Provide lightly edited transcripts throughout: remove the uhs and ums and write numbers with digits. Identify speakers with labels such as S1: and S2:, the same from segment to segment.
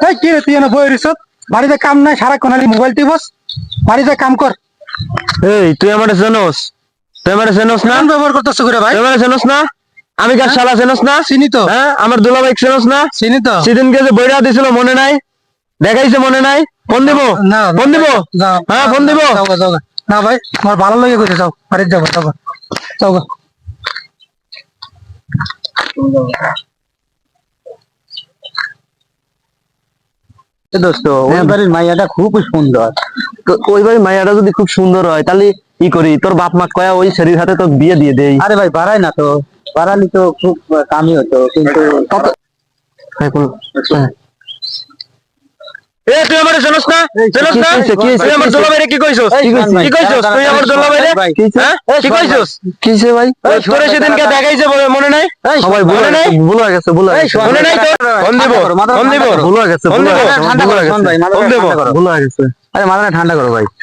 S1: এই কি রে তুই এনে বই রিসত বাড়িতে কাম নাই সারাক্ষণ খালি মোবাইল টিপস বাড়িতে কাম কর।
S2: এই তুই আমারে জানোস? তুই আমারে জানোস না?
S1: কেমন ব্যবহার করতেছ করে ভাই?
S2: তুই আমারে জানোস না? আমি কার শালা জানোস না?
S1: চিনি তো।
S2: হ্যাঁ আমার দুলাভাই জানোস না?
S1: চিনি তো।
S2: সেদিনকে যে বইরা দিছিল মনে নাই? দেখাইছে মনে নাই? ফোন দিব?
S1: না
S2: ফোন দিব?
S1: যাও,
S2: হ্যাঁ ফোন দিব?
S1: যাও গা, যাও গা। না ভাই আমার ভালো লাগে কইতে যাও বাড়িতে যাও গা, যাও গা। যাও গা।
S3: দোস্ত ওই বাড়ির মাইয়াটা খুব সুন্দর।
S2: তো ওই ভাই মাইয়াটা যদি খুব সুন্দর হয় তাহলে কি করি? তোর বাপ মা কয়া ওই শরীর হাতে তো বিয়ে দিয়ে দেই।
S3: আরে ভাই বাড়াই না তো, বাড়ালি তো খুব কামই হতো কিন্তু
S2: এ তুই আমারে জানোস না? জানোস না?
S3: কি হইছে?
S2: তুই আমার দুলাভাইরে কি কইছস?
S3: এই শোন ভাই,
S2: কি কইছস? তুই আমার দুলাভাইরে?
S3: ভাই,
S2: হ্যাঁ? কি কইছস?
S3: কিসে ভাই?
S2: তোরে সেদিনকে দেখাইছে মনে নাই?
S3: সবাই
S2: মনে নাই?
S3: ভুল হয়ে গেছে, ভুল হয়ে গেছে।
S2: মনে নাই তোর? ফোন দিব? ফোন দিব?
S3: ভুল হয়ে গেছে,
S2: ফোন
S3: ভুল
S2: দিব?
S3: হয়ে গেছে,
S2: ঠান্ডা
S3: ভুল
S2: করো,
S3: হয়ে
S2: শোন
S3: গেছে।
S2: ভাই,
S3: মাথাটা
S2: ফোন দিব?
S3: ঠান্ডা করো। ভুল হয়ে গেছে। আরে মাথাটা ঠান্ডা করো ভাই।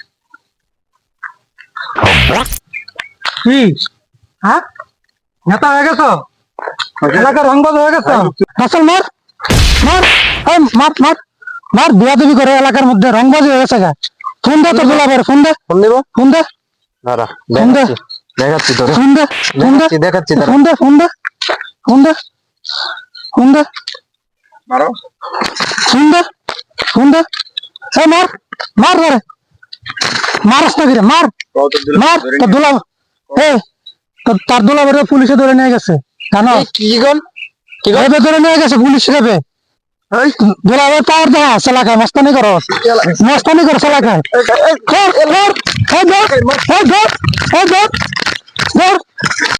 S1: কি হ্যাঁ নেতা হয়ে গেছো এলাকার রংবাজ হয়ে গেছো আসল মার মার এই মার মার মার বিয়া তুমি করে এলাকার মধ্যে রংবাজ হয়ে গেছে গা ফোন দে তোর দুলাভাইয়ের ফোন দে
S2: ফোন দিব?
S1: ফোন দে
S2: দাঁড়া
S1: ফোন দে
S2: দেখাচ্ছি তোরে।
S1: ফোন দে ফোন দে
S2: দেখাচ্ছি দাঁড়া।
S1: ফোন দে ফোন দে ফোন দে ফোন দে
S2: মারো।
S1: ফোন দে ফোন দে এই মার মার ধরে মারস না কিরে মার মার তোর দুলা এই তার দুলাভাইয়ের পুলিশে ধরে নিয়ে গেছে জানো
S2: কি গন?
S1: এবে ধরে নিয়ে গেছে পুলিশ রেবে দুলাভাই পাওয়ার দেখা এলাকায় মস্তানি করো মস্তানি করো এলাকায় ধর ধর ধর ধর ধর ধর